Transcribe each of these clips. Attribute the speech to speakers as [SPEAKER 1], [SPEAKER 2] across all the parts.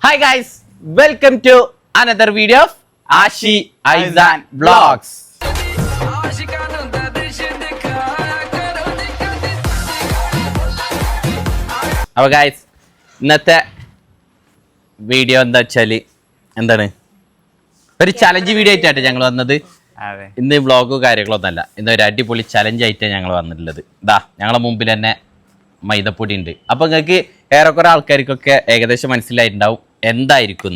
[SPEAKER 1] Hi guys, welcome to another video of Ashi Aizan Vlogs. അപ്പോൾ guys ഇന്നത്തെ video എന്താ വെച്ചാൽ എന്താണ് ഒരു ചലഞ്ച് വീഡിയോ ആയിട്ടാണ് ഞങ്ങൾ വന്നത്. ഇന്ന് വ്ളോഗോ കാര്യങ്ങളൊന്നല്ല, ഇന്ന് ഒരു അടിപൊളി ചലഞ്ച് ആയിട്ടാണ് ഞങ്ങൾ വന്നിട്ടുള്ളത്. ഇതാ ഞങ്ങളെ മുമ്പിൽ തന്നെ മൈദപ്പൊടി ഉണ്ട്. അപ്പൊ നിങ്ങൾക്ക് ഏറെക്കുറെ ആൾക്കാർക്കൊക്കെ ഏകദേശം മനസ്സിലായിട്ടുണ്ടാവും എന്തായിരിക്കും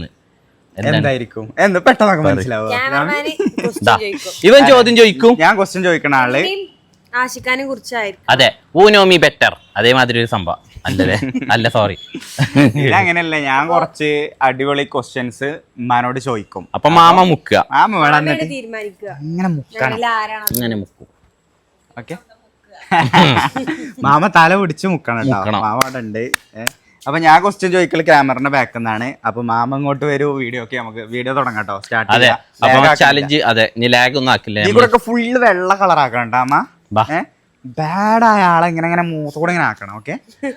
[SPEAKER 1] ഇവൻ ചോദ്യം ചോദിക്കും, ഞാൻ ക്വസ്റ്റ്യൻ ചോദിക്കണ ആള്
[SPEAKER 2] ആശിക്കാനെ കുറിച്ചായിരിക്കും.
[SPEAKER 1] അതെ, ഊനോമി ബെറ്റർ അതേമാതിരി ഒരു സംഭവം അല്ലേ? അല്ല സോറി,
[SPEAKER 3] അങ്ങനെയല്ല. ഞാൻ കുറച്ച് അടിപൊളി ക്വസ്റ്റ്യൻസ് ഉമ്മാനോട് ചോദിക്കും.
[SPEAKER 1] അപ്പൊ മാമ മുക്കുക,
[SPEAKER 2] തീരുമാനിക്കുക
[SPEAKER 1] ഇങ്ങനെ മുക്കും.
[SPEAKER 3] ഓക്കെ, മാമ തല പിടിച്ച് മുക്കണം കേട്ടോ. മാമ അവിടെ ഉണ്ട്. അപ്പൊ ഞാൻ ക്വസ്റ്റ്യൻ ചോദിക്കൽ ക്യാമറയുടെ ബാക്കിൽ നിന്നാണ്. അപ്പൊ മാമ ഇങ്ങോട്ട് വരൂ, വീഡിയോ ഒക്കെ നമുക്ക് വീഡിയോ തുടങ്ങാം കേട്ടോ. Start
[SPEAKER 1] challenge. അതെ, നീ ലാഗ് ഒന്നും ആക്കില്ല.
[SPEAKER 3] ഇവിടെ ഫുള്ള് വെള്ള കളർ ആക്കണം കേട്ടോ അമ്മ. ബാഡായ ആളെ ഇങ്ങനെ ഇങ്ങനെ മൂത്തോടെ ഇങ്ങനെ ആക്കണം. ഓക്കെ,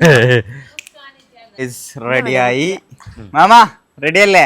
[SPEAKER 3] റെഡിയായി മാമ? റെഡി അല്ലേ?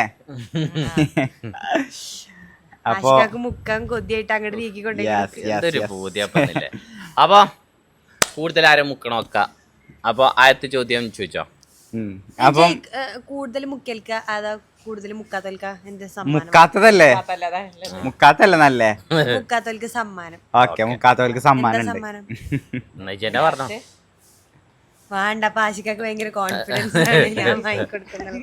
[SPEAKER 2] അപ്പൊ മുക്കാൻ കൊതിയായിട്ട് അങ്ങോട്ട് നീക്കിക്കൊണ്ടേ.
[SPEAKER 1] അപ്പൊ കൂടുതൽ ആരും മുക്കണോ വെക്കാം. അപ്പൊ ആദ്യത്തെ ചോദ്യം ചോദിച്ചോ.
[SPEAKER 3] അപ്പം
[SPEAKER 2] കൂടുതൽ മുക്കൽക്ക അതാ കൂടുതൽ മുക്കാത്തൽക്ക എന്റെ
[SPEAKER 3] മുക്കാത്തതല്ലേ? മുക്കാത്തല്ലേ നല്ലേ?
[SPEAKER 2] മുക്കാത്തൽക്ക് സമ്മാനം.
[SPEAKER 3] ഓക്കെ, മുക്കാത്തവർക്ക് സമ്മാനം
[SPEAKER 1] പറഞ്ഞോ.
[SPEAKER 2] വേണ്ട, പാശിക്കൊക്കെ ഭയങ്കര കോൺഫിഡൻസ് ആണ് ഞാൻ വാങ്ങിക്കൊടുക്കുന്നത്.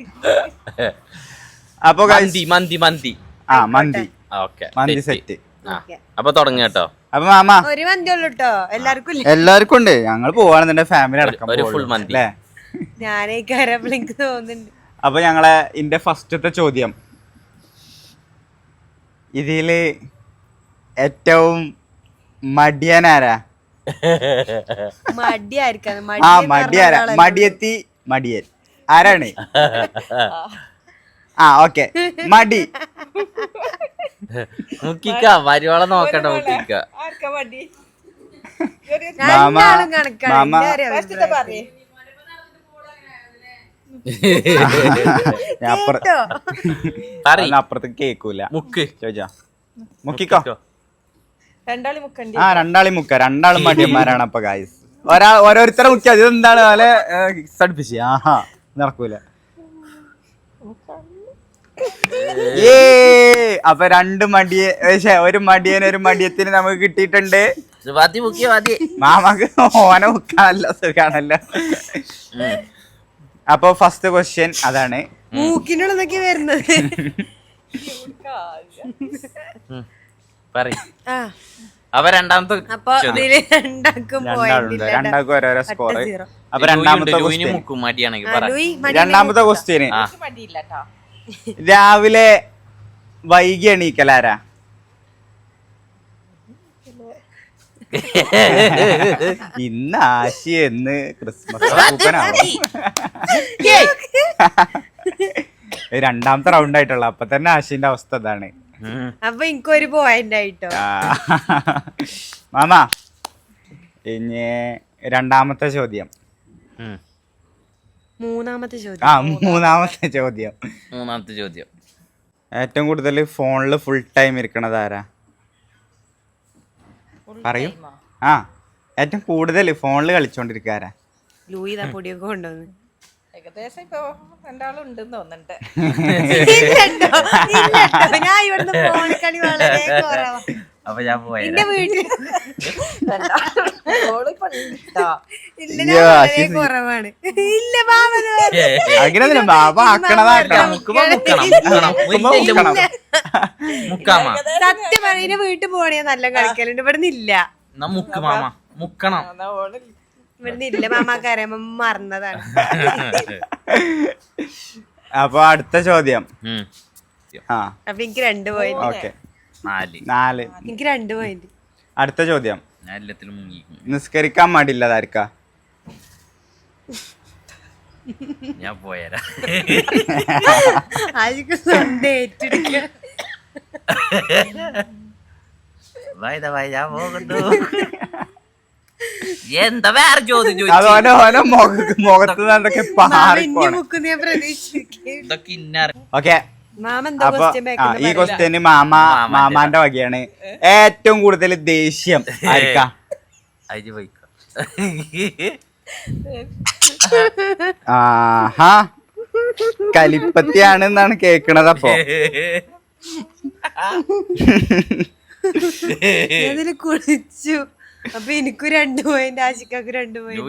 [SPEAKER 3] അപ്പൊ
[SPEAKER 1] മന്തി മന്തി
[SPEAKER 3] മന്തി സെറ്റ്.
[SPEAKER 1] അപ്പൊ തുടങ്ങി കേട്ടോ.
[SPEAKER 3] അപ്പൊ മാമ
[SPEAKER 2] ഒരു മന്തി ഉള്ളു കേട്ടോ,
[SPEAKER 3] എല്ലാവർക്കും ഉണ്ട്. ഞങ്ങൾ പോവാണെന്നുണ്ടെ ഫാമിലി അടക്കം
[SPEAKER 1] ഒരു ഫുൾ മന്തി.
[SPEAKER 2] ഞാനേ കയറപ്പോൾ എനിക്ക് തോന്നുന്നുണ്ട്.
[SPEAKER 3] അപ്പൊ ഞങ്ങളെ ഇന്റെ ഫസ്റ്റത്തെ ചോദ്യം, ഇതില് ഏറ്റവും മടിയനാരാ? മടിയെത്തി മടിയൻ ആരാണ്? ഓക്കെ, മടി
[SPEAKER 1] മുക്കിക്ക വരുവോളം നോക്കണ്ട. മുക്കിക്ക
[SPEAKER 3] അപ്പുറത്തേക്ക് കേക്കൂല.
[SPEAKER 1] മുക്ക്
[SPEAKER 3] ചോദിച്ചാ മുക്കിക്കോ. രണ്ടാളി മുക്ക. രണ്ടാളും മടിയന്മാരാണ്. അപ്പൊ ഗായ്സ് ഓരോരുത്തരെ മുക്കിയ ഇതെന്താണ് പോലെ അടുപ്പിച്ച് നടക്കൂല. അപ്പൊ രണ്ട് ഒരു മടിയത്തിന് നമുക്ക് കിട്ടിയിട്ടുണ്ട്. മാമക്ക് ഓനെ മുക്കാണല്ലോ, സുഖാണല്ലോ. അപ്പൊ ഫസ്റ്റ് ക്വസ്റ്റ്യൻ അതാണ്.
[SPEAKER 2] മൂക്കിനുള്ളതൊക്കെ വരുന്നത്.
[SPEAKER 1] അപ്പൊ രണ്ടാമത്തെ
[SPEAKER 3] രണ്ടാൾക്കും ഓരോരോ സ്കോർ. അപ്പൊ രണ്ടാമത്തെ ക്വസ്റ്റ്യന്, രാവിലെ വൈകി എണീക്കലാരാ? ഇന്ന് ആശി എന്ന് ക്രിസ്മസ് രണ്ടാമത്തെ റൗണ്ട് ആയിട്ടുള്ള. അപ്പൊ തന്നെ ആശിന്റെ അവസ്ഥ ഇതാണ്.
[SPEAKER 2] അപ്പൊ എനിക്കൊരു പോയിന്റ് ആയിട്ടോ.
[SPEAKER 3] മാമ ഇനി രണ്ടാമത്തെ ചോദ്യം.
[SPEAKER 2] മൂന്നാമത്തെ
[SPEAKER 3] ചോദ്യം ഏറ്റവും കൂടുതൽ ഫോണില് ഫുൾ ടൈം ഇരിക്കണത് ആരാ? പറയൂ. ഏറ്റവും കൂടുതൽ ഫോണില് കളിച്ചോണ്ടിരിക്കുക ആരാ?
[SPEAKER 2] ലൂയിതാ പൊടിയൊക്കെ കൊണ്ടുവന്ന്.
[SPEAKER 4] ഏകദേശം ഇപ്പൊ രണ്ടാളും ഉണ്ടെന്ന് തോന്നുന്നുണ്ട്.
[SPEAKER 2] ഞാൻ ഇവിടുന്ന് ഫോൺ കളി വളരെ കുറവാ.
[SPEAKER 1] അപ്പൊ ഞാൻ പോയി
[SPEAKER 2] എന്റെ വീട്ടിൽ കുറവാണ്. ഇല്ല
[SPEAKER 3] അങ്ങനെ ബാബ
[SPEAKER 2] സത്യം പറയുന്ന വീട്ടിൽ പോണേ നല്ല കളിക്കലുണ്ട്. ഇവിടുന്ന് ഇല്ല. ഇവിടുന്ന് ഇല്ല. മാമാക്കറിയാം, മറന്നതാണ്.
[SPEAKER 3] അപ്പൊ അടുത്ത ചോദ്യം.
[SPEAKER 2] അപ്പൊ എനിക്ക് 2 പോയിന്റ്.
[SPEAKER 3] ഓക്കെ, 4.
[SPEAKER 2] എനിക്ക് 2 പോയിന്റ്.
[SPEAKER 3] അടുത്ത ചോദ്യം, നിസ്കരിക്കാൻ മടിയില്ലതായിരിക്കാ?
[SPEAKER 1] ഞാൻ പോയരാ. ഞാൻ പോകുന്നു. എന്താ വേറെ ചോദ്യം
[SPEAKER 3] അത് ഓരോ മുഖത്ത് എന്തൊക്കെ പാറിപ്പോണ.
[SPEAKER 2] മുക്കുന്ന ഞാൻ പ്രതീക്ഷിക്കും.
[SPEAKER 3] ഓക്കെ,
[SPEAKER 2] മാമ എന്താ
[SPEAKER 3] അപ്പൊ
[SPEAKER 2] ക്വസ്റ്റ്യൻ
[SPEAKER 3] ഈ ക്വസ്റ്റ്യന് മാമാന്റെ വകയാണ്. ഏറ്റവും കൂടുതൽ ദേഷ്യം ആയിരിക്കാം? ആഹാ, കലിപ്പത്തിയാണ് കേക്കണത്. അപ്പൊ
[SPEAKER 2] അതില് കുളിച്ചു. അപ്പൊ എനിക്കും 2 പോയിന്റ്, ആശിക്കാക്ക് 2 പോയിന്റ്.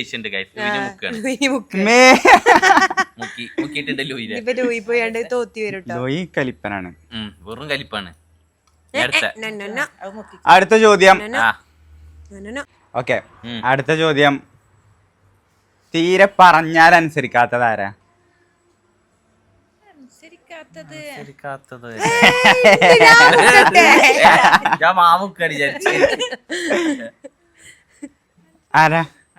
[SPEAKER 2] ഇപ്പൊ ലൂയി പോയാണ്ട് തോത്തി വരും ട്ടോ.
[SPEAKER 3] ലൂയി കലിപ്പനാണ്,
[SPEAKER 1] വെറും കലിപ്പാണ്.
[SPEAKER 3] അടുത്ത ചോദ്യം. ഓക്കെ, അടുത്ത ചോദ്യം. തീരെ പറഞ്ഞാൽ അനുസരിക്കാത്തതാരാ? ആരാ?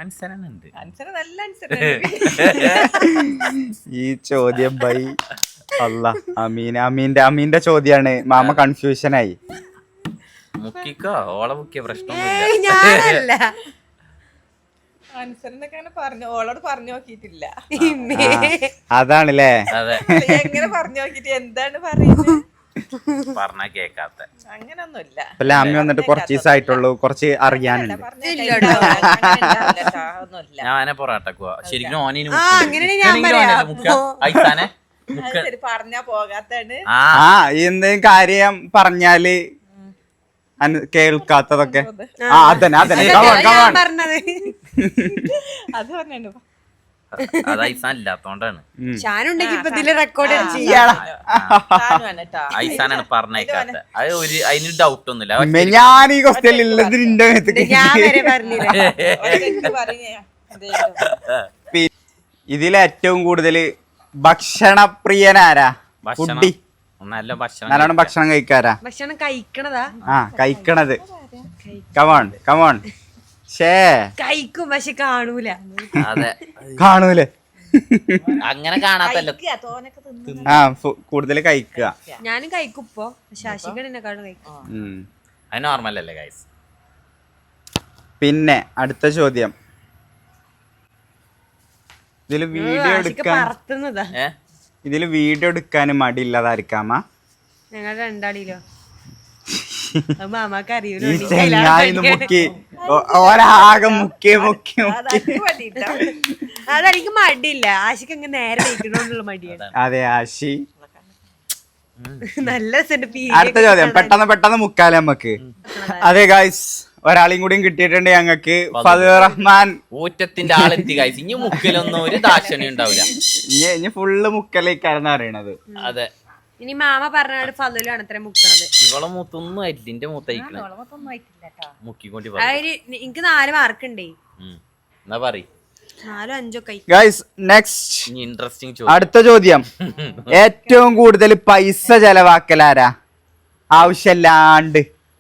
[SPEAKER 3] ഈ ചോദ്യം ബൈ അല്ല അമീന്റെ ചോദ്യാണ്. മാമ കൺഫ്യൂഷനായി.
[SPEAKER 1] മുക്കിക്കോ, ഓളെ മുക്കിയ പ്രശ്നം
[SPEAKER 2] ഞാനല്ല.
[SPEAKER 4] ഓളോട് പറഞ്ഞു നോക്കിയിട്ടില്ല.
[SPEAKER 3] അതാണല്ലേ?
[SPEAKER 4] എങ്ങനെ പറഞ്ഞു നോക്കിട്ട് എന്താണ് പറയുന്നത്?
[SPEAKER 1] പറഞ്ഞ കേക്കാത്ത
[SPEAKER 4] അങ്ങനൊന്നുമില്ല.
[SPEAKER 3] ലാമി വന്നിട്ട് കുറച്ച് ദിവസമായിട്ടുള്ളൂ, കുറച്ച് അറിയാനുണ്ട്.
[SPEAKER 1] ഞാൻ പൊറാട്ടക്കുവാ ശരിക്കും.
[SPEAKER 4] പറഞ്ഞാ പോകാത്താണ്.
[SPEAKER 3] എന്തെങ്കിലും കാര്യം പറഞ്ഞാല് കേൾക്കാത്തതൊക്കെ. അതന്നെ
[SPEAKER 4] അത് പറഞ്ഞു
[SPEAKER 1] അത് ഐസാൻ ഇല്ലാത്തോണ്ടാണ്.
[SPEAKER 2] ഷാനുണ്ടെങ്കി ഇപ്പൊ ഇതില് റെക്കോർഡ്
[SPEAKER 1] ഐസാനാണ് പറഞ്ഞേക്കാത്ത. അത് ഒരു അതിന് ഡൗട്ട് ഒന്നുമില്ല.
[SPEAKER 3] ഞാൻ ഈ ക്വസ്റ്റ്യൻ ഉള്ളത് നിന്റെ
[SPEAKER 2] ഞാൻ വരെ പറഞ്ഞില്ല.
[SPEAKER 3] ഇതിൽ ഏറ്റവും കൂടുതൽ ഭക്ഷണപ്രിയനാരാ? ഫുഡി, നല്ലോണം ഭക്ഷണം കഴിക്കാരാ?
[SPEAKER 2] ഭക്ഷണം കഴിക്കണതാ?
[SPEAKER 3] കഴിക്കണത്. Come on come on.
[SPEAKER 2] കഴിക്കും പക്ഷെ കാണൂല.
[SPEAKER 3] കാണൂലേ?
[SPEAKER 1] അങ്ങനെ കാണാത്തല്ലോ.
[SPEAKER 3] കൂടുതൽ കഴിക്കുക.
[SPEAKER 2] ഞാനും കഴിക്കും ഇപ്പൊ, ശാശികനെക്കാളും കഴിക്കും.
[SPEAKER 1] അത് നോർമൽ അല്ലേ ഗൈസ്?
[SPEAKER 3] പിന്നെ അടുത്ത ചോദ്യം. ഇതില് വീഡിയോ എടുക്കാൻ മടിയില്ലാതായിരിക്കാമ?
[SPEAKER 2] ഞങ്ങൾ രണ്ടാളിലോ മാമാക്ക് അറിയൂലോ.
[SPEAKER 3] മുക്കി ഒരാകെ മുക്കി മുക്കി മുക്കി.
[SPEAKER 2] അതെനിക്ക് മടിയില്ല, ആശിക്ക് അങ്ങ് നേരെ കഴിക്കണോന്നുള്ള മടിയാണ്.
[SPEAKER 3] അതെ ആശി.
[SPEAKER 2] നല്ല
[SPEAKER 3] അടുത്ത ചോദ്യം പെട്ടെന്ന് മുക്കാലേ നമ്മക്ക്. അതെ ഗായ്സ്, ഒരാളെയും കൂടിയും കിട്ടിയിട്ടുണ്ട് ഞങ്ങക്ക്. ഫദീർ റഹ്മാൻ.
[SPEAKER 1] ഊറ്റത്തിന്റെ ആളെത്തി ഗായ്സ്. ഇനി മുക്കലൊന്നും ഒരു ദാക്ഷണ്യം ഉണ്ടാവില്ല.
[SPEAKER 3] ഇനി ഫുള്ള് മുക്കലേക്കാരെന്ന് അറിയണത്.
[SPEAKER 1] അതെ,
[SPEAKER 2] ഇനി മാമ പറഞ്ഞ ഫലൂലാണ് അത്ര മുക്കണത്.
[SPEAKER 1] ഇവളെ മൂത്തൊന്നും ആയിട്ടില്ല. എന്റെ മൂത്തയക്കണ മുക്കിക്കൊണ്ട്
[SPEAKER 2] എനിക്ക് 4 മാർക്ക് ഉണ്ടേ.
[SPEAKER 1] എന്നാ പറ
[SPEAKER 2] 4 5 ഒക്കെ.
[SPEAKER 3] ഗൈസ് നെക്സ്റ്റ്
[SPEAKER 1] ഇൻട്രസ്റ്റിംഗ്
[SPEAKER 3] അടുത്ത ചോദ്യം. ഏറ്റവും കൂടുതൽ പൈസ ചെലവാക്കലാരാ ആവശ്യമില്ലാണ്ട്?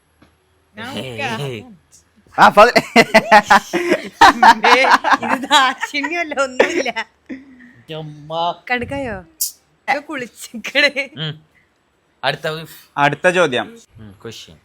[SPEAKER 2] ഇത് ദാക്ഷിണ്യമല്ല, ഒന്നുമില്ല. കണക്കായോ? കുളിച്ചിക്കണേ.
[SPEAKER 3] അടുത്ത ചോദ്യം.
[SPEAKER 1] ക്വസ്റ്റ്യൻ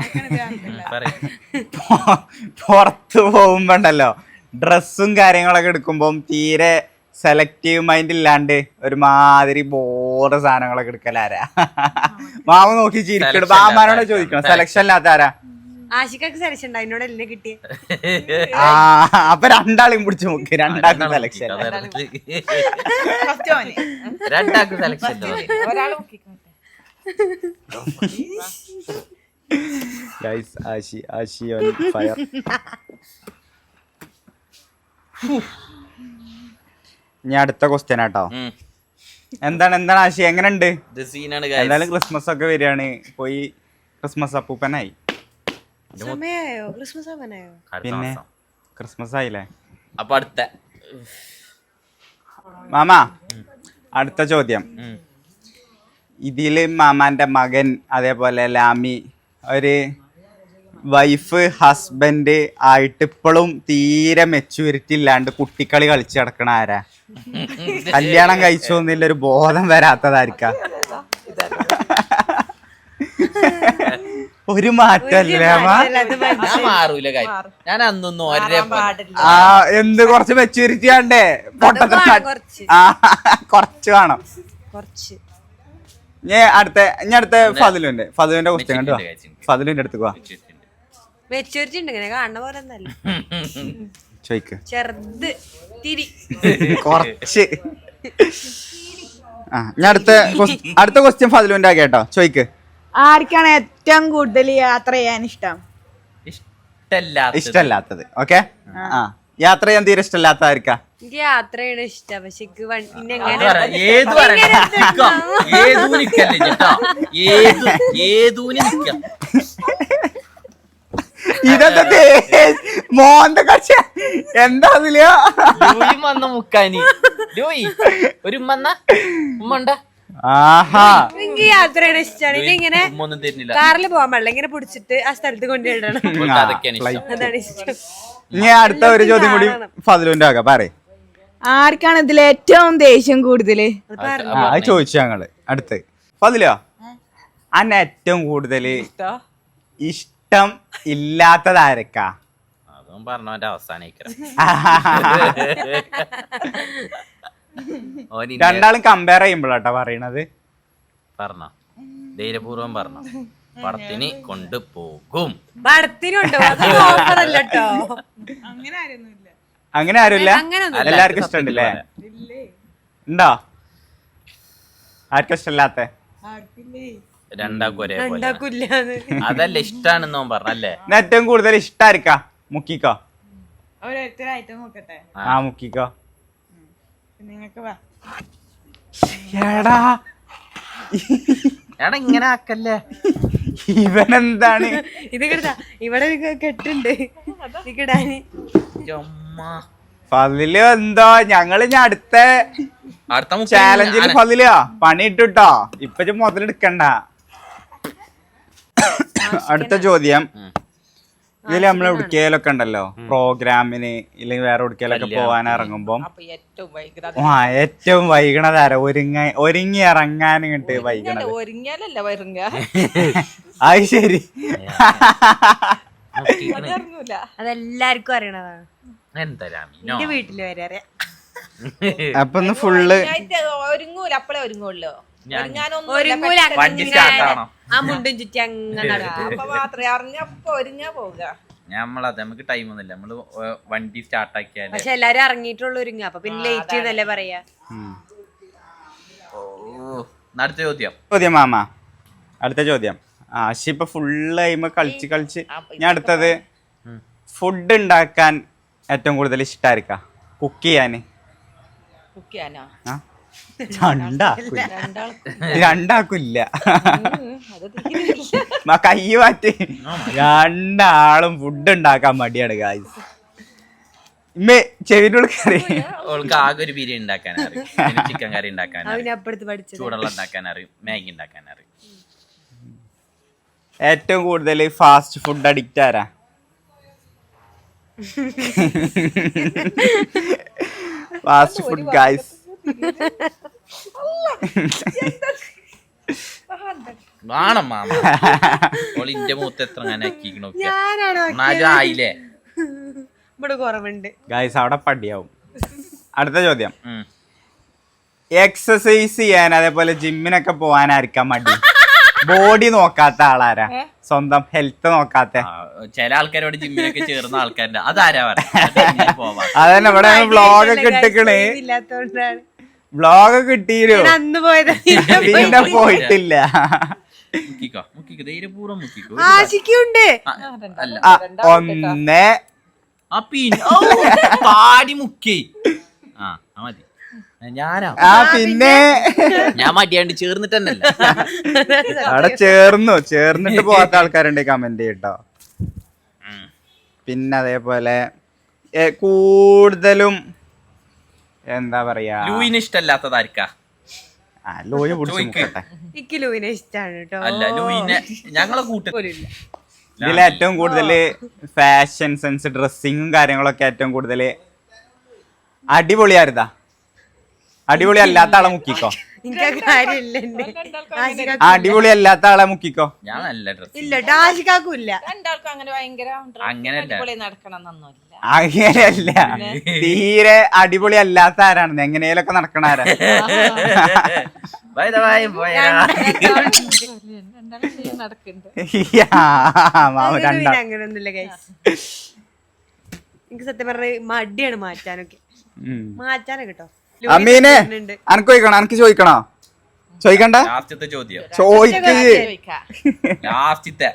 [SPEAKER 3] പുറത്തു പോകുമ്പോണ്ടല്ലോ ഡ്രസ്സും കാര്യങ്ങളൊക്കെ എടുക്കുമ്പോ തീരെ സെലക്റ്റീവ് മൈൻഡ് ഇല്ലാണ്ട് ഒരുമാതിരി ബോറ് സാധനങ്ങളൊക്കെ എടുക്കലാരാ? മാമ നോക്കി ചിരിക്കണ. മാമാനോട് ചോദിക്കണം സെലക്ഷൻ ഇല്ലാത്ത ആരാ?
[SPEAKER 2] ആശിക്കൊക്കെ സെലക്ഷൻ ഉണ്ട്, അതിനോട് എല്ലാം കിട്ടിയ.
[SPEAKER 3] അപ്പൊ രണ്ടാളെയും പിടിച്ചു നോക്കി. രണ്ടാൾക്ക് സെലക്ഷൻ.
[SPEAKER 1] രണ്ടാൾക്ക് selection.
[SPEAKER 3] Guys Ashi on fire. ഇനി അടുത്ത ക്വസ്റ്റ്യൻ ആട്ടോ. എന്താണ് ആശി, എങ്ങനെയുണ്ട്? എന്തായാലും ക്രിസ്മസ് ഒക്കെ വരികയാണ്. പോയി ക്രിസ്മസ് അപ്പൂപ്പനായി. പിന്നെ ക്രിസ്മസ് ആയില്ലേ?
[SPEAKER 1] അപ്പൊ അടുത്ത
[SPEAKER 3] മാമ അടുത്ത ചോദ്യം. ഇതില് മാമാന്റെ മകൻ അതേപോലെ ലാമി ഒരു വൈഫ് ഹസ്ബൻഡ് ആയിട്ട് ഇപ്പോഴും തീരെ മെച്യൂരിറ്റി ഇല്ലാണ്ട് കുട്ടിക്കളി കളിച്ച് കിടക്കണ ആരാ? കല്യാണം കഴിച്ചോന്നില്ല ഒരു ബോധം വരാത്തതായിരിക്കാം. ഒരു മാറ്റല്ലേ മാ
[SPEAKER 1] ഞാൻ മാറൂല കാര്യം. ഞാൻ അന്നൊന്നും ഒരേ
[SPEAKER 4] പാടില്ല.
[SPEAKER 3] ആ എന്ത് കുറച്ച് മെച്ചൂരിറ്റി വേണ്ടേ
[SPEAKER 2] കുറച്ച്
[SPEAKER 3] ആ കുറച്ച് വേണം.
[SPEAKER 2] കുറച്ച്
[SPEAKER 3] ഇനി അടുത്ത ഫതിലുന്റെ ക്വസ്റ്റ്യൻ കണ്ടു ഫതിലിന്റെ അടുത്ത് പോവാ
[SPEAKER 2] മെച്ചൂരിറ്റി ഉണ്ട് ഇങ്ങനെ കാണുന്ന പോലെ ഒന്നല്ല
[SPEAKER 3] ചോയ്ക്ക്
[SPEAKER 2] ചെറുത് തിരി
[SPEAKER 3] കുറച്ച് ആ ഞാൻ അടുത്ത ക്വസ്റ്റ്യൻ ഫതിലുന്റെ കേട്ടോ ചോയ്ക്ക്.
[SPEAKER 5] ആർക്കാണ് ഏറ്റവും കൂടുതൽ യാത്ര ചെയ്യാൻ ഇഷ്ടം?
[SPEAKER 3] ഇഷ്ടല്ലാത്തത് ഓക്കെ ആ യാത്ര ചെയ്യാൻ തീരെ ഇഷ്ടമല്ലാത്ത ആർക്കാ?
[SPEAKER 2] എനിക്ക് യാത്രയാണ് ഇഷ്ടം പക്ഷെ എനിക്ക് പിന്നെ
[SPEAKER 1] അത് പറ. ഏത് പറയണ്ട. നിക്കാം. ഏതൂന് നിക്കല്ലേ ചേട്ടാ. ഏതൂന് നിക്കാം.
[SPEAKER 3] ഇതെന്താ മോന്റെ കക്ഷ എന്താ അതില്
[SPEAKER 1] ലൂയി വന്ന മുക്കാനി ലൂയി ഒരു ഉമ്മ ഉണ്ടാ
[SPEAKER 3] ആഹാ
[SPEAKER 2] എനിക്ക് യാത്രയാണ് ഇഷ്ടമാണ് എനിക്ക് ഇങ്ങനെ
[SPEAKER 1] ഉമ്മൊന്നും തരുന്നില്ല.
[SPEAKER 2] കാറിൽ പോകാൻ പാടില്ല ഇങ്ങനെ പിടിച്ചിട്ട് ആ സ്ഥലത്ത് കൊണ്ടുപോയിടണം
[SPEAKER 1] അവൾക്ക് അതൊക്കെയാണ് ഇഷ്ടം.
[SPEAKER 2] അതാണ് ഇഷ്ടം.
[SPEAKER 3] ഇനി അടുത്ത ഒരു ചോദ്യം കൂടി ഫതിലുന്റെ ആകാം പറയേ.
[SPEAKER 5] ആർക്കാണ് ഇതിൽ ഏറ്റവും ദേഷ്യം കൂടുതല്?
[SPEAKER 3] അത് ചോദിച്ചു ഞങ്ങള് അടുത്ത് ഫതിലോ അന്നെ ഏറ്റവും കൂടുതൽ ഇഷ്ടം ഇല്ലാത്തത് ആരക്കാ?
[SPEAKER 1] അതും പറഞ്ഞവന്റെ അവസാനിക്കണം.
[SPEAKER 3] രണ്ടാളും കമ്പയർ ചെയ്യുമ്പോഴാട്ടോ പറയണത്.
[SPEAKER 1] പറഞ്ഞോ ധൈര്യപൂർവം പറഞ്ഞോ. പടത്തിന് കൊണ്ടുപോകും.
[SPEAKER 2] പടത്തിനുണ്ടോ ഓഫറല്ല കേട്ടോ
[SPEAKER 3] അങ്ങനെ ആരുമില്ല
[SPEAKER 2] അങ്ങനൊന്നും
[SPEAKER 3] എല്ലാവർക്കും ഇഷ്ടമുണ്ടല്ലേ? ഉണ്ടോ ആർക്കും ഇഷ്ടമില്ലാത്ത?
[SPEAKER 1] രണ്ടാക്കും ഒരേപോലെ
[SPEAKER 2] ഉണ്ടാക്കൂല്ലാന്ന്
[SPEAKER 1] അതല്ല ഇഷ്ടാണെന്നോ പറഞ്ഞല്ലേ.
[SPEAKER 3] ഏറ്റവും കൂടുതൽ ഇഷ്ടായിരിക്കാ? മുക്കിക്കോ
[SPEAKER 5] ഓരോരുത്തരായിട്ട് നോക്കട്ടെ.
[SPEAKER 3] ആ മുക്കിക്കോ.
[SPEAKER 5] നിങ്ങൾക്ക് വാ.
[SPEAKER 3] എടാ
[SPEAKER 1] എടാ ഇങ്ങനെ ആക്കല്ലേ.
[SPEAKER 3] ഇവനെന്താണ്
[SPEAKER 2] ഇത് കിട്ടാ ഇവിടെ ഒരു കെട്ടുണ്ട് കിടാന്
[SPEAKER 3] ഫതില് എന്തോ ഞങ്ങള് ഇനി അടുത്ത ചാലഞ്ചിൽ ഫതിലോ പണി ഇട്ടുട്ടോ ഇപ്പൊ മുതലെടുക്കണ്ട. അടുത്ത ചോദ്യം ഇതില് നമ്മൾ എവിടേലൊക്കെ ഉണ്ടല്ലോ പ്രോഗ്രാമിന് ഇല്ലെങ്കിൽ വേറെ എവിടേലൊക്കെ പോവാൻ ഇറങ്ങുമ്പോ ഏറ്റവും വൈകണതാര ഒരുങ്ങി ഇറങ്ങാൻ ഇങ്ങോട്ട് വൈകണത്?
[SPEAKER 4] ഒരുങ്ങിയാലല്ല വരുങ്ങ
[SPEAKER 3] അത് ശരി
[SPEAKER 4] അതറിഞ്ഞൂല.
[SPEAKER 2] അതെല്ലാവർക്കും അറിയണതാണ്.
[SPEAKER 1] എന്താ
[SPEAKER 2] എന്റെ വീട്ടില് വരെ അറിയാം.
[SPEAKER 3] അപ്പൊ ഒന്ന് ഫുള്ള്
[SPEAKER 4] ഒരുങ്ങൂല അപ്പളേ ഒരുങ്ങുള്ളൂ.
[SPEAKER 2] ഒരുങ്ങൂല
[SPEAKER 1] വണ്ടി സ്റ്റാർട്ട് ആണോ?
[SPEAKER 2] ആ മുണ്ടും ചുറ്റി അങ്ങനെ നടക്കും.
[SPEAKER 4] അപ്പൊ മാത്രമേ അറിഞ്ഞപ്പോ ഒരുങ്ങാ പോവുക.
[SPEAKER 1] നമ്മളത് നമുക്ക് ടൈം ഒന്നുമില്ല. നമ്മള് വണ്ടി സ്റ്റാർട്ട് ആക്കിയാലേ.
[SPEAKER 2] പക്ഷെ എല്ലാരും ഇറങ്ങിയിട്ടുള്ള ഒരുങ്ങ അപ്പൊ പിന്നെ ലേറ്റ് എന്നല്ലേ പറയാ.
[SPEAKER 1] അടുത്ത
[SPEAKER 3] ചോദ്യം മാമ അടുത്ത ചോദ്യം. ഇപ്പൊ ഫുള്ള് അയിമ കളിച്ച് ഞാൻ അടുത്തത് ഫുഡ് ഉണ്ടാക്കാൻ ഏറ്റവും കൂടുതൽ ഇഷ്ടായിരിക്കാ? കുക്ക് ചെയ്യാന്? രണ്ടാക്കില്ല കൈ മാറ്റി. രണ്ടാളും ഫുഡ് ഉണ്ടാക്കാൻ മടിയാണ് ഗായ്സ്. ചെവിനോട് കറി
[SPEAKER 1] അവൾക്ക് ആകെ ഒരു ബിരിയാണി ഉണ്ടാക്കാൻ അറിയും, ചിക്കൻ കറി ഉണ്ടാക്കാൻ അറിയും, ചൂടുള്ള ഉണ്ടാക്കാൻ അറിയും, മാഗി ഉണ്ടാക്കാൻ അറിയും.
[SPEAKER 3] ഏറ്റവും കൂടുതൽ ഫാസ്റ്റ് ഫുഡ് അഡിക്റ്റ് ആരാ? Fast food guys.
[SPEAKER 1] വേണം മാമ ഇന്റെ മൂത്ത് എത്ര ഞാൻ ആയില്ലേ
[SPEAKER 2] ഇവിടെ കുറവുണ്ട്
[SPEAKER 3] ഗായ്സ്. അവിടെ പടിയാവും. അടുത്ത ചോദ്യം. എക്സസൈസ് ചെയ്യാൻ അതേപോലെ ജിമ്മിനൊക്കെ പോവാനായിരിക്കാം മടി? ബോഡി നോക്കാത്ത ആളാരാ? സ്വന്തം ഹെൽത്ത് നോക്കാത്ത
[SPEAKER 1] ചില ആൾക്കാരോട് ജിമ്മിനൊക്കെ ചേർന്ന ആൾക്കാരുടെ അതാരാ പോവാ?
[SPEAKER 3] അതന്നെ ഇവിടെ വ്ളോഗൊക്കെ ഇട്ടിക്കണേ. വ്ളോഗൊക്കെ ഇട്ടീരോ?
[SPEAKER 2] അന്ന് പോയത്
[SPEAKER 3] പിന്നെ പോയിട്ടില്ല.
[SPEAKER 1] ധൈര്യപൂർവ്വം മുക്കിക്കോ.
[SPEAKER 2] ആശിക്കുണ്ട്.
[SPEAKER 3] ഒന്ന്
[SPEAKER 1] പാടി മുക്കി. മതി.
[SPEAKER 3] പിന്നെ
[SPEAKER 1] ഞാൻ മടിയാണ്ട് ചേർന്നിട്ട് തന്നെയല്ല.
[SPEAKER 3] അവിടെ ചേർന്നിട്ട് പോകാത്ത ആൾക്കാരുണ്ട് കമന്റ് ചെയ്യട്ടോ. പിന്നെ അതേപോലെ കൂടുതലും എന്താ പറയാ
[SPEAKER 1] ലൂയിന് ഇഷ്ടമല്ലാത്തതായിരിക്കാ?
[SPEAKER 3] ലൂയി പിടിച്ചോട്ടെ.
[SPEAKER 2] എനിക്ക് ലൂയിനെ ഇഷ്ടാണ് കേട്ടോ.
[SPEAKER 1] അല്ല ലൂയിനെ ഞങ്ങളെ കൂട്ടത്തിലില്ല.
[SPEAKER 3] ഇതിൽ ഏറ്റവും കൂടുതൽ ഫാഷൻ സെൻസ് ഡ്രസ്സിങ്ങും കാര്യങ്ങളൊക്കെ ഏറ്റവും കൂടുതൽ അടിപൊളിയായിരുന്നാ? അടിപൊളി അല്ലാത്ത ആളെ മുക്കിക്കോ.
[SPEAKER 2] എനിക്ക് കാര്യമില്ല എന്റെ ആശിക്കാക്കും
[SPEAKER 3] അടിപൊളി അല്ലാത്ത ആളെ മുക്കിക്കോ.
[SPEAKER 1] ഞാൻ നല്ല ഡ്രസ്
[SPEAKER 2] ഇല്ല കേട്ടോ, ആശിക്കാക്കും ഇല്ല.
[SPEAKER 4] രണ്ടാൾക്കും അങ്ങനെ ഭയങ്കര
[SPEAKER 1] അങ്ങനെയല്ല.
[SPEAKER 4] അടിപൊളി നടക്കണം എന്നൊന്നുമില്ല.
[SPEAKER 3] അങ്ങനെയല്ല, തീരെ അടിപൊളി അല്ലാത്ത ആരാണ് എങ്ങനെയൊക്കെ നടക്കണ ആരാ? മാമ കണ്ട
[SPEAKER 2] അങ്ങനെയൊന്നുമില്ല ഗൈസ്. എനിക്ക് സത്യം പറഞ്ഞ മടിയാണ് മാറ്റാനൊക്കെ, മാറ്റാനൊക്കെ കേട്ടോ.
[SPEAKER 3] അമ്മീനെ അനക്ക് ചോദിക്കണോ? അനക്ക് ചോദിക്കണോ? ചോദിക്കണ്ട,
[SPEAKER 1] ലാസ്റ്റത്തെ ചോദ്യം,
[SPEAKER 3] ചോദിക്ക്.
[SPEAKER 1] ലാസ്റ്റത്തെ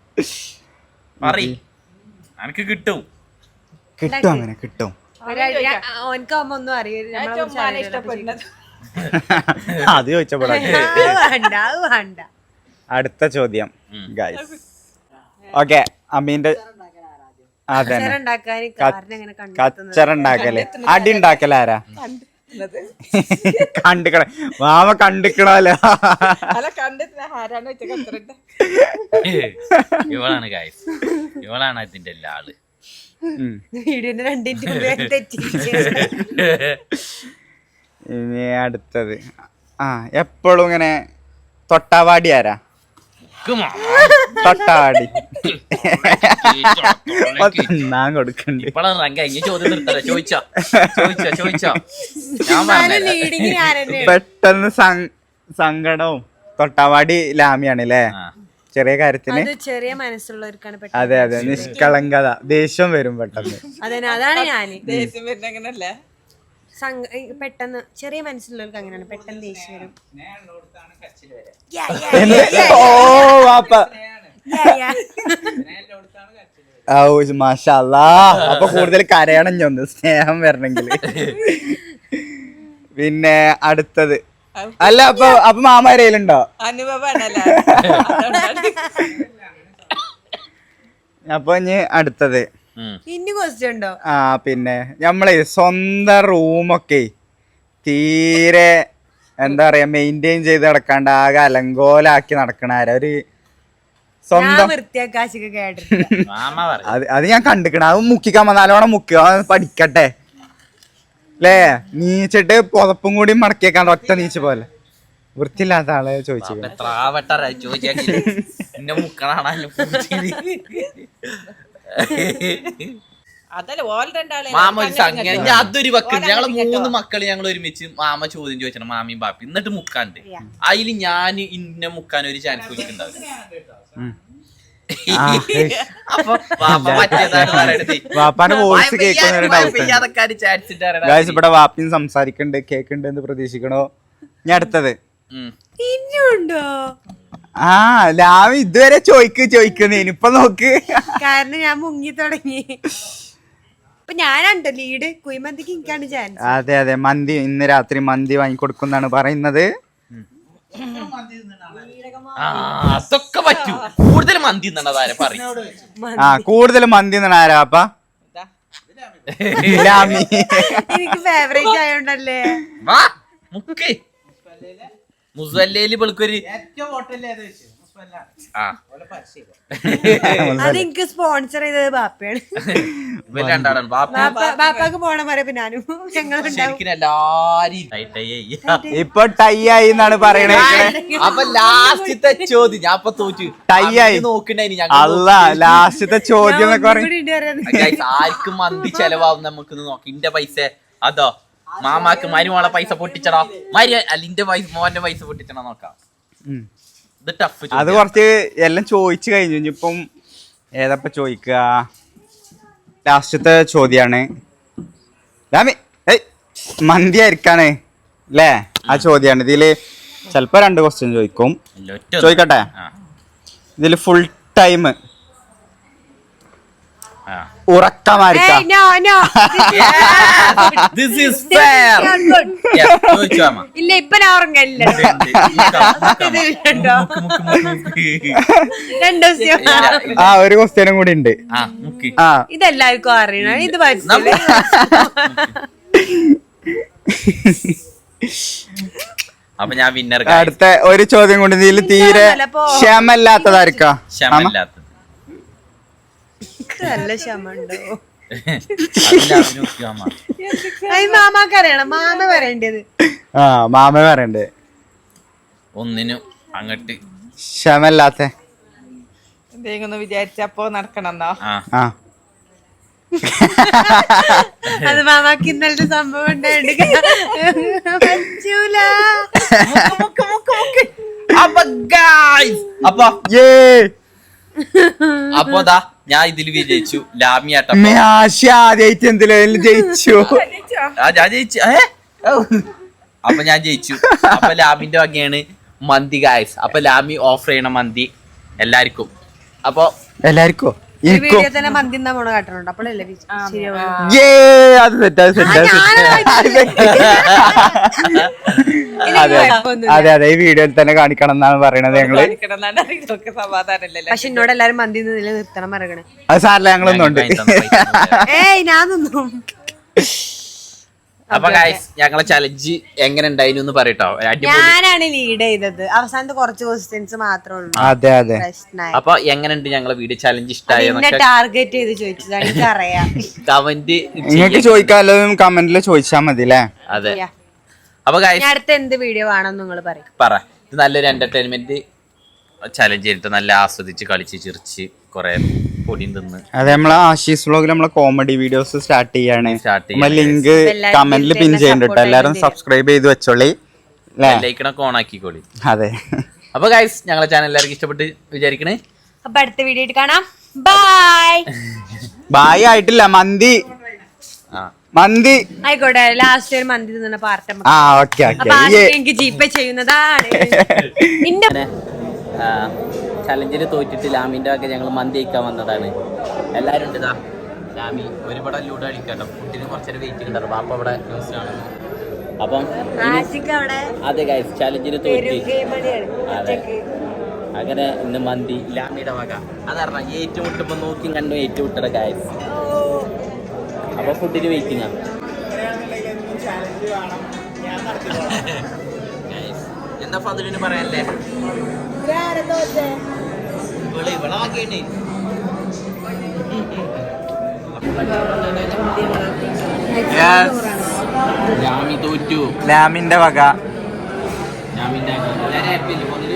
[SPEAKER 1] അനക്ക് കിട്ടും.
[SPEAKER 3] കിട്ടും, അങ്ങനെ കിട്ടും.
[SPEAKER 2] ഓനക്കാവുമ്പോ ഒന്നും അറിയില്ല.
[SPEAKER 4] ഇഷ്ടപ്പെടുന്നത്
[SPEAKER 3] അത് ചോദിച്ചപ്പോഴാ.
[SPEAKER 2] വേണ്ട വേണ്ട.
[SPEAKER 3] അടുത്ത ചോദ്യം ഗൈസ്. ഓക്കെ, അമ്മീന്റെ അതെ
[SPEAKER 2] ഉണ്ടാക്കാൻ കാരണം എങ്ങനെ കണ്ടു
[SPEAKER 3] കച്ചറ ഉണ്ടാക്കല്, അടി ഉണ്ടാക്കല ആരാ? കണ്ടിക്കണ മാമ കണ്ടിക്കണല്ലോ.
[SPEAKER 4] അല്ല കണ്ടിട്ട് ആരാണ് വെച്ച കത്തിരട്ടെ.
[SPEAKER 1] ഇവളാണ് ഗൈസ്, ഇവളാണ് അതിന്റെ എല്ലാ ആള്.
[SPEAKER 2] വീടിന്റെ 2 മിനിറ്റ് തെറ്റി.
[SPEAKER 3] ഇനി അടുത്തത് എപ്പോഴും ഇങ്ങനെ തൊട്ടാവാടി ആരാ? തൊട്ടാവാടി ഞാൻ കൊടുക്കണ്ട്. പെട്ടെന്ന് സങ്കടവും തൊട്ടാവാടി ലാമിയാണ് അല്ലേ? ചെറിയ കാര്യത്തിന്
[SPEAKER 2] ചെറിയ മനസ്സുള്ളവർക്കാണ്.
[SPEAKER 3] അതെ അതെ, നിഷ്കളങ്കത, ദേഷ്യം വരും പെട്ടെന്ന്.
[SPEAKER 2] അതെ, അതാണ് ഞാന്.
[SPEAKER 4] ദേഷ്യം വരുന്ന അങ്ങനല്ലേ?
[SPEAKER 2] പെട്ടെന്ന് ചെറിയ മനസ്സുള്ളവർക്ക് അങ്ങനെയാണ്, പെട്ടെന്ന് ദേഷ്യം വരും.
[SPEAKER 3] ഓ വാപ്പ, മാഷാ അല്ലാഹ്. അപ്പൊ കൂടുതൽ കരയണം ഞൊന്ന്, സ്നേഹം വരണമെങ്കിൽ. പിന്നെ അടുത്തത് അല്ല, അപ്പൊ മാമ കരയിലുണ്ടോ?
[SPEAKER 4] അനുഭവമാണല്ലോ.
[SPEAKER 3] അപ്പൊ ഇനി അടുത്തത്
[SPEAKER 2] ഇനി ക്വസ്റ്റ്യൻ ഉണ്ടോ?
[SPEAKER 3] പിന്നെ നമ്മളെ സ്വന്തം റൂമൊക്കെ തീരെ എന്താ പറയാ മെയിൻറ്റെയിൻ ചെയ്ത് നടക്കാണ്ട് ആകെ അലങ്കോലാക്കി നടക്കണ ആരാ? ഒരു സ്വന്തം
[SPEAKER 2] വൃത്തിയാക്കാശിക്ക് കേട്ടിട്ട്
[SPEAKER 3] അത് ഞാൻ കണ്ടിക്കണ. അത് മുക്കിക്കാൻ നല്ലോണം മുക്കുക, പഠിക്കട്ടെ അല്ലേ? നീച്ചിട്ട് പുതപ്പും കൂടി മടക്കിയേക്കാണ്ട് ഒറ്റ നീച്ച് പോലെ വൃത്തിയില്ലാത്ത ആളെ ചോദിച്ചു.
[SPEAKER 4] അതല്ല ഓൾ രണ്ടാളെ
[SPEAKER 1] അതൊരു വക്കുണ്ട്. ഞങ്ങള് 3 മക്കള് ഞങ്ങൾ ഒരുമിച്ച് മാമ ചോദ്യം ചോദിച്ചാണ്, മാമിയും ബാപ്പി. എന്നിട്ട് മുക്കാണ്ട് അതില് ഞാൻ ഇന്നെ മുക്കാൻ ഒരു ചാൻസ് കൊടുക്കുന്നുണ്ടാവും.
[SPEAKER 3] വാപ്പാന്റെ വോയിസ് കേൾക്കുന്ന ഇവിടെ വാപ്പിയും സംസാരിക്കണ്ട്, കേക്കുണ്ട് എന്ന് പ്രതീക്ഷിക്കണോ? ഞാൻ അടുത്തത്
[SPEAKER 2] ഇനിയുണ്ടോ?
[SPEAKER 3] ലാവി ഇതുവരെ ചോദിക്കുന്നേന് ഇപ്പൊ നോക്ക്.
[SPEAKER 2] കാരണം ഞാൻ മുങ്ങി തുടങ്ങി. ഇപ്പൊ ഞാനുണ്ടോ ലീഡ്? കുഴിമന്തിക്ക് എനിക്കാണ് ചാൻസ്.
[SPEAKER 3] അതെ അതെ, മന്തി ഇന്ന് രാത്രി മന്തി വാങ്ങിക്കൊടുക്കുന്നാണ് പറയുന്നത്.
[SPEAKER 1] അതൊക്കെ പറ്റൂ. കൂടുതൽ മന്തി
[SPEAKER 3] കൂടുതൽ മന്തി ആരാപ്പ?
[SPEAKER 2] എനിക്ക് ഫേവറേറ്റ് ആയോണ്ടല്ലേ.
[SPEAKER 1] മുസല്ലേല് ഇവൾക്കൊരു
[SPEAKER 2] അതെനിക്ക് സ്പോൺസർ ചെയ്തത് ബാപ്പയാണ്. ബാപ്പാക്ക് പോണ പറയപ്പോ ഞാനും
[SPEAKER 3] ഇപ്പൊ ടൈ ആയി എന്നാണ് പറയണേ.
[SPEAKER 1] അപ്പൊ ലാസ്റ്റത്തെ ചോദ്യം ഞാൻ ഇപ്പൊ തോറ്റു.
[SPEAKER 3] ടൈ ആയി
[SPEAKER 1] നോക്കണ്ടായി.
[SPEAKER 3] അല്ല, ലാസ്റ്റത്തെ ചോദ്യം
[SPEAKER 1] ആർക്കും മന്തി ചെലവാകും നമുക്ക് നോക്കി. ഇന്റെ പൈസ അതോ മാമാക്ക് മരുമോളെ പൈസ പൊട്ടിച്ചടാ, അല്ല ഇന്റെ മോന്റെ പൈസ പൊട്ടിച്ചടാ നോക്കാം.
[SPEAKER 3] അത് കുറച്ച് എല്ലാം ചോദിച്ചു കഴിഞ്ഞു. ഇനിയിപ്പം ഏതപ്പ ചോദിക്കുക? ലാസ്റ്റത്തെ ചോദ്യാണ്. മന്തി ആയിരിക്കാണ് അല്ലേ? ആ ചോദ്യാണ്. ഇതില് ചിലപ്പോ 2 ക്വസ്റ്റ്യൻ ചോദിക്കും. ചോദിക്കട്ടെ? ഇതില് ഫുൾ ടൈം ഉറക്കമായിരിക്കാം.
[SPEAKER 2] ഇല്ല, ഇപ്പൊ ഞാൻ ഉറങ്ങില്ല.
[SPEAKER 3] ഒരു ക്വസ്റ്റ്യനും കൂടി ഉണ്ട്.
[SPEAKER 2] ഇതെല്ലാവർക്കും അറിയണം. ഇത്
[SPEAKER 1] അപ്പൊ ഞാൻ വിന്നർ.
[SPEAKER 3] അടുത്ത ഒരു ചോദ്യം കൂടി. ഇതിൽ തീരെ ക്ഷമല്ലാത്തതായിരിക്കാം.
[SPEAKER 2] നല്ല ക്ഷമുണ്ടോ? മാമാക്ക് അറിയണം. മാമ പറയേണ്ടത്.
[SPEAKER 3] മാമ പറയണ്ടേ.
[SPEAKER 1] ഒന്നിനും അങ്ങട്ട്
[SPEAKER 3] ക്ഷമല്ലാത്ത
[SPEAKER 4] എന്തെങ്കിലും വിചാരിച്ചപ്പോ നടക്കണമെന്നോ?
[SPEAKER 1] ആ
[SPEAKER 3] ആ
[SPEAKER 2] അത് മാമാക്ക് ഇന്നലത്തെ സംഭവം ഉണ്ടായിട്ട് പറ്റൂല.
[SPEAKER 1] അപ്പൊ guys, അപ്പൊ
[SPEAKER 3] ഏ
[SPEAKER 1] അപ്പൊ ദാ ഞാൻ ഇതിൽ വിജയിച്ചു. ലാമിയാട്ട
[SPEAKER 3] ആശ ആദ്യമായിട്ട് എന്തിലും ജയിച്ചു.
[SPEAKER 1] ഞാൻ ജയിച്ചു. അപ്പൊ ഞാൻ ജയിച്ചു. അപ്പൊ ലാമിന്റെ വകയാണ് മന്തി ഗായ്സ്. അപ്പൊ ലാമി ഓഫർ ചെയ്യണ മന്തി എല്ലാവർക്കും. അപ്പൊ
[SPEAKER 3] എല്ലാവർക്കോ
[SPEAKER 2] ഈ
[SPEAKER 3] എനിക്കോ
[SPEAKER 2] വീഡിയോ തന്നെ മന്തി എന്നാ പോണ കാട്ടുന്നുണ്ട്. അപ്പോഴല്ലേ ശരിയാവുള്ളൂ.
[SPEAKER 3] ഏ അത് സെറ്റ് അതെ അതെ അതെ ഈ വീഡിയോയിൽ തന്നെ കാണിക്കണം എന്നാണ് പറയണത് ഞങ്ങള്.
[SPEAKER 4] ഇതൊക്കെ സമാധാനല്ലേ?
[SPEAKER 2] പക്ഷെ എന്നോട് എല്ലാരും മന്തി നിർത്തണം പറയണേ.
[SPEAKER 3] അത് സാറില്ല ഞങ്ങളൊന്നും ഉണ്ട്.
[SPEAKER 2] ഏയ് ഞാൻ നിന്നും.
[SPEAKER 1] അപ്പൊ ഗായ്സ് ഞങ്ങളെ ചലഞ്ച് എങ്ങനെ ഉണ്ടായിരുന്നു എന്ന് പറയട്ടോ.
[SPEAKER 2] ഞാനാണ് ലീഡ് ചെയ്തത്. അവസാനത്തെ കുറച്ച് ക്വസ്റ്റ്യൻസ് മാത്രമേ ഉള്ളൂ
[SPEAKER 3] അതെ അതെ
[SPEAKER 2] പ്രശ്നമായി.
[SPEAKER 1] അപ്പൊ എങ്ങനെയുണ്ട് ഞങ്ങളെ വീഡിയോ ചലഞ്ച് ഇഷ്ടമായ
[SPEAKER 2] എന്നെ ടാർഗറ്റ് ചെയ്ത് ചോദിച്ചതാണ്. എനിക്കറിയാം.
[SPEAKER 1] കമന്റ്
[SPEAKER 3] നിങ്ങൾക്ക് ചോദിക്കാനും കമന്റിൽ ചോദിച്ചാൽ മതി അല്ലേ?
[SPEAKER 1] അതെ. അപ്പൊ ഗായ്സ്
[SPEAKER 2] ഞാൻ അടുത്ത എന്ത് വീഡിയോ വേണം നിങ്ങൾ പറയും.
[SPEAKER 1] പറ. ഇത് നല്ലൊരു എന്റർടൈൻമെന്റ് ചലഞ്ച് ചെയ്തിട്ട് നല്ല ആസ്വദിച്ച് കളിച്ച് ചിരിച്ച് കൊറേ പൊടിയും തിന്ന്.
[SPEAKER 3] അതെ നമ്മളെ ആശീസ് വ്ലോഗിൽ നമ്മളെ കോമഡി വീഡിയോസ് സ്റ്റാർട്ട് ചെയ്യാണ്.
[SPEAKER 1] Start ചെയ്യാണ്.
[SPEAKER 3] നമ്മളെ ലിങ്ക് കമന്റിൽ പിൻ ചെയ്യുന്നുണ്ട്. എല്ലാരും സബ്സ്ക്രൈബ് ചെയ്ത് വെച്ചോളി അല്ലേ?
[SPEAKER 1] ലൈക്കണൊക്കെ ഓൺ ആക്കിക്കോളി.
[SPEAKER 3] അതെ.
[SPEAKER 1] അപ്പൊ ഗൈസ് ഞങ്ങളെ ചാനൽ എല്ലാവർക്കും ഇഷ്ടപ്പെട്ട് വിചാരിക്കണേ.
[SPEAKER 2] അപ്പൊ അടുത്ത വീഡിയോ ആയിട്ട് കാണാം. ബൈ.
[SPEAKER 3] ബായ് ആയിട്ടില്ല, മന്തി
[SPEAKER 1] ആ
[SPEAKER 3] മന്തി
[SPEAKER 2] ആയിക്കോട്ടെ. ലാസ്റ്റ് ഒരു മന്തി തിന്ന പാർട്ട്.
[SPEAKER 3] ആ ഓക്കെ
[SPEAKER 2] അപ്പൊ എനിക്ക് ജിപേ ചെയ്യുന്നതാണ്. ഇന്റെ
[SPEAKER 1] ചലഞ്ചിൽ തോറ്റിട്ട് ലാമിന്റെ ഒക്കെ ഞങ്ങൾ മന്തി കഴിക്കാൻ വന്നതാണ്. എല്ലാരും ഉണ്ട്. ഇതാ ലാമി ഒരുപാട് ലൂഡോ കളിക്കട്ടോ. കുട്ടീനെ കുറച്ചേരം വെയിറ്റ് കിട്ടാറ്. ബാപ്പ അവിടെ ന്യൂസ് കാണുന്നു. അപ്പം
[SPEAKER 2] ആശിക്ക് അവിടെ
[SPEAKER 1] അതെ ഗൈസ് ചലഞ്ചിന് തോറ്റി.
[SPEAKER 2] ഗെയിമാണ്.
[SPEAKER 1] അതെ അങ്ങനെ ഇന്ന് മന്തി ലാമിയുടെ വക. അതറിഞ്ഞ ഏറ്റുമുട്ടുമ്പോ നോക്കി കണ്ടു ഏറ്റുമുട്ടട ഗൈസ്. അപ്പൊ ഫുഡിന് വെയിറ്റിംഗ് ആണ്. എന്താ ഫതിലിന് പറയാനല്ലേ? ലാമി തോറ്റു.
[SPEAKER 3] ലാമിന്റെ വക.
[SPEAKER 1] ലാമിന്റെ എല്ലാവരും ഹാപ്പി അല്ലേ ഫതില്?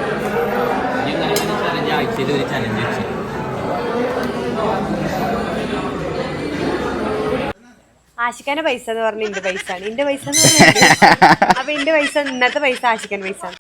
[SPEAKER 1] ചലഞ്ച് ആഴ്ചയിൽ ഒരു ചലഞ്ച് വെച്ചു.
[SPEAKER 2] ആശിക്കാന്റെ പൈസ എന്ന് പറഞ്ഞ എന്റെ പൈസ ആണ്. എന്റെ പൈസ എന്ന് പറഞ്ഞാൽ അപ്പൊ എന്റെ പൈസ ഇന്നത്തെ പൈസ ആശിക്കാൻ പൈസ.